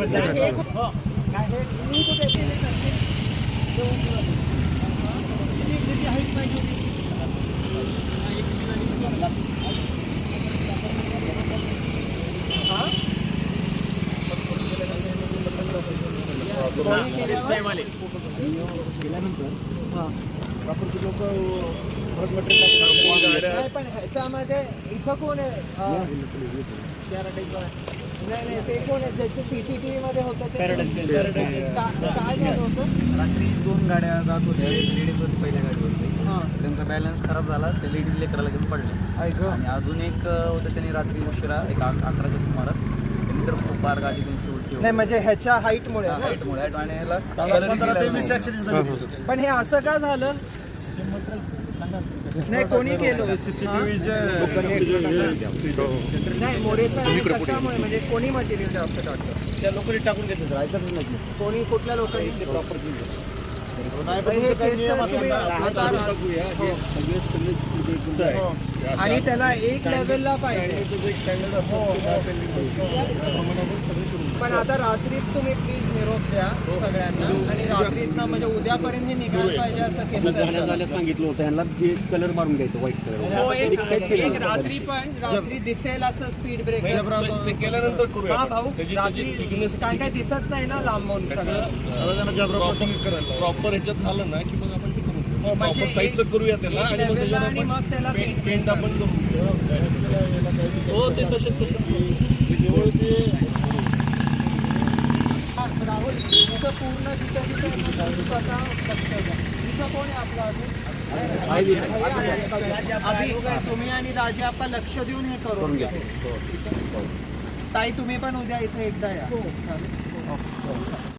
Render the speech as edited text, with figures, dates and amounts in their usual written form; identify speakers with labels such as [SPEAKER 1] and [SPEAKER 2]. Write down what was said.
[SPEAKER 1] पण ह्याच्यामध्ये इथं कोण आहे? नाही ते कोण आहे ज्याचं सीसीटीव्ही मध्ये होतं ते? काय झालं होतं?
[SPEAKER 2] रात्री 2 गाड्या जात होत्या. लेडीज होती पहिल्या गाडीवरती. त्यांचा बॅलन्स खराब झाला. ते लेडीज लेकराला घेऊन पडले. आणि अजून एक होतं त्यांनी रात्री उशिरा 11च्या सुमारास त्यांनी तर खूप बार गाडी घेऊन उलटी.
[SPEAKER 1] नाही म्हणजे ह्याच्या हाईटमुळे
[SPEAKER 2] आणि ह्याला
[SPEAKER 1] पण हे असं का झालं? नाही कोणी केलं? नाही मोरेसा कशामुळे म्हणजे कोणी मटेरियल जास्त टाकतं?
[SPEAKER 2] त्या लोकांनी टाकून घेतलं ऐकतच नाही.
[SPEAKER 1] कोणी कुठल्या लोकांनी प्रॉपर आणि त्याला एक लेवलला पाहिजे. पण आता रात्रीच तुम्ही प्लीज निरोप द्या सगळ्यांना आणि रात्रीच ना म्हणजे उद्यापर्यंत हे निघायला पाहिजे असं केलं
[SPEAKER 2] सांगितलं होतं ह्यांना कलर मारून घ्यायचं व्हाईट कलर.
[SPEAKER 1] एक रात्री पण रात्री दिसेल असं स्पीड ब्रेक
[SPEAKER 2] केल्यानंतर करूया.
[SPEAKER 1] हा भाऊ रात्री काय काय दिसत नाही ना लांबून
[SPEAKER 2] प्रॉपर ह्याच्यात झालं ना की मग आपण ते करू.
[SPEAKER 1] म्हणजे
[SPEAKER 2] साईडचं करूया त्याला आणि
[SPEAKER 1] मग त्याला
[SPEAKER 2] पेंट आपण करू. हो ते तसे
[SPEAKER 1] राहुल इथं पूर्ण तिथं स्वतः लक्ष द्या. इथं कोण आहे आपला अजून तुम्ही आणि राजे आपण लक्ष देऊन हे करून घ्या. ताई तुम्ही पण उद्या इथे एकदा या.